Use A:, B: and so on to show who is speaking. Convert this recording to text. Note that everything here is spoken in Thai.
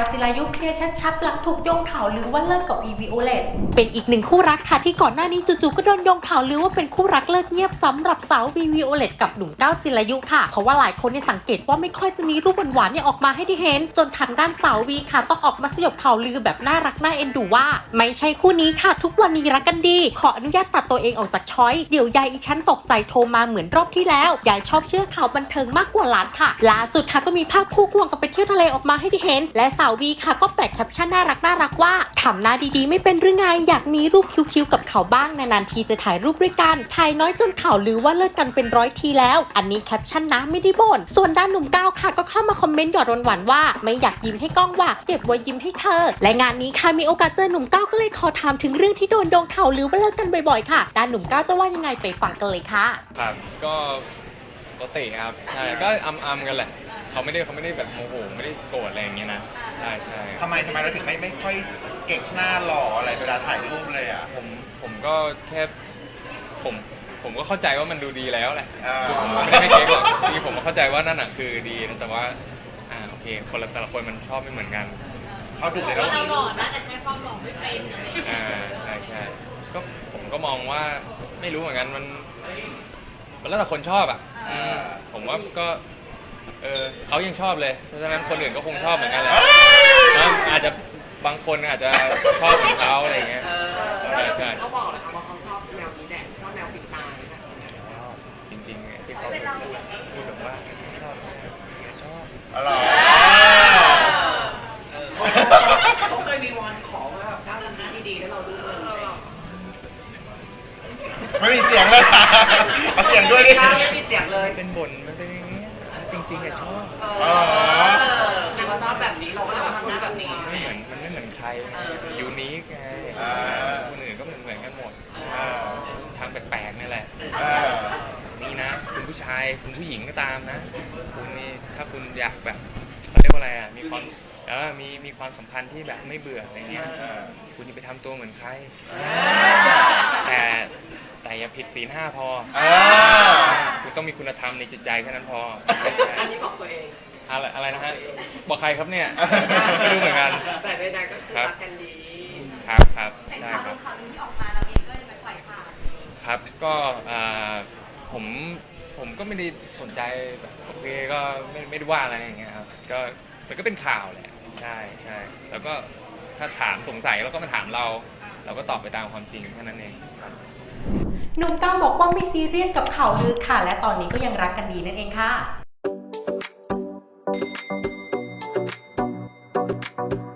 A: จิรายุเคลียร์ชัดๆหลังถูกโยงข่าวลือว่าเลิกกับวีวีโอเลตเป็นอีกหนึ่งคู่รักค่ะที่ก่อนหน้านี้จู่ๆก็โดนโยงข่าวลือว่าเป็นคู่รักเลิกเงียบสำหรับสาววีวีโอเลตกับหนุ่มก้าวจิรายุค่ะเพราะว่าหลายคนสังเกตว่าไม่ค่อยจะมีรูปหวานๆออกมาให้ได้เห็นจนทางด้านสาววีค่ะต้องออกมาสยบข่าวลือแบบน่ารักน่าเอ็นดูว่าไม่ใช่คู่นี้ค่ะทุกวันนี้รักกันดีขออนุญาตตัดตัวเองออกจากช้อยเดี๋ยวยายอีชั้นตกใจโทรมาเหมือนรอบที่แล้วยายชอบเชื่อข่าวบันเทิงมากกว่าหลานค่ะล่าสุดค่ะก็มีภาพคู่ควงกันไปเที่ยวทะเลออกมาให้ได้เห็นและสาววีค่ะก็แปะแคปชั่นน่ารักว่าทำหน้าดีๆไม่เป็นหรือไงอยากมีรูปคิ้วๆกับเขาบ้างนานๆทีจะถ่ายรูปด้วยกันถ่ายน้อยจนข่าวลือว่าเลิกกันเป็น100 ทีแล้วอันนี้แคปชั่นนะไม่ได้บ่นส่วนด้านหนุ่มก้าวค่ะก็เข้ามาคอมเมนต์หยอดหวานๆว่าไม่อยากยิ้มให้กล้องว่าเก็บไว้ยิ้มให้เธอและงานนี้ค่ะมีโอกาสเจอหนุ่มก้าวก็เลยขอถามถึงเรื่องที่โดนโยงข่าวลือว่าเลิกกันบ่อยๆค่ะด้านหนุ่มก้าวจะว่ายังไงไปฟังกันเลยค่ะ
B: ครับก็ปกติครับใช่ก็อัมกันแหละเขาไม่ได้แบบโมโหไม่ได้โกรธอะไรอย่างเงี้ยนะใช่
C: ทำไมเราถึงไม่ค่อยเก่งหน้าหล่ออะไรเวลาถ่ายรูปเลยอ่ะ
B: ผมก็แค่ผมก็เข้าใจว่ามันดูดีแล้วแหละผมไม่ได้ไม่เก่งหรอกทีผมก็เข้าใจว่านั่นน่ะคือดีนะแต่ว่าโอเคแต่ละคนมันชอบไม่เหมือนกัน
C: เขาดูเลย
D: เราหล่อนะแต่ใช้ความหล่อไม่เป็น
B: ใช่ก็ผมก็มองว่าไม่รู้เหมือนกันมันแล้วแต่คนชอบอ่ะผมว่าก็เขายังชอบเลยเพราะฉะนั้นคนอื่นก็คงชอบเหมือนกันแหละอาจจะบางคนอาจจะชอบของเขาอะไรอย่างเงี้ยใช่
D: เขาบอกเลยค่ะว่าเขาชอบแนวนี้แหละชอบแนวปิดตา
B: จริงๆที่เขาพูดแบบว่าชอบ
C: อะไร
D: เขาเคยมีวอนขอว่าแบบก้าวทำหน้าดีๆแล้วเราดูเงิน
C: ไม่มีเสียงเลยเอาเสียงด้วยดิ
D: ไม่มีเสียงเลย
B: เป็นบ่นมันเป็นอย่างเงี้ยจริงๆชอบ
D: คือเขาชอบแบบนี้เราก็จะทำหน้าแบบนี้
B: มันไม่เหมือนใครยูนิคไงคนอื่นก็เหมือนกันหมดทางแปลกๆนี่แหละนี่นะคุณผู้ชายคุณผู้หญิงก็ตามนะคุณนี่ถ้าคุณอยากแบบเขาเรียกว่าอะไรอ่ะมีความสัมพันธ์ที่แบบไม่เบื่ออะไรเงี้ยคุณอย่าไปทำตัวเหมือนใครแต่อย่าผิดศีล 5พอคุณต้องมีคุณธรรมในจิตใจแค่นั้นพอ
D: อันนี้บอกตัวเอง
B: อะไรนะฮะบอกใครครับเนี่ยไม่รู้เหมือนกัน
D: แต่ใดๆก็คือรักกันดี
B: ครับใช่ครับ
D: ข่าวนี้ออกมาเราเองก็เลยไปปล่อยข่าว
B: ครับก็ผมก็ไม่ได้สนใจแบบโอเคก็ไม่ได้ว่าอะไรอย่างเงี้ยครับก็มันก็เป็นข่าวแหละใช่แล้วก็ถ้าถามสงสัยแล้วก็มาถามเราก็ตอบไปตามความจริงแค่นั้นเองครับ
A: หนุ่มก้าวบอกว่าไม่ซีเรียสกับข่าวลือค่ะและตอนนี้ก็ยังรักกันดีนั่นเองค่ะ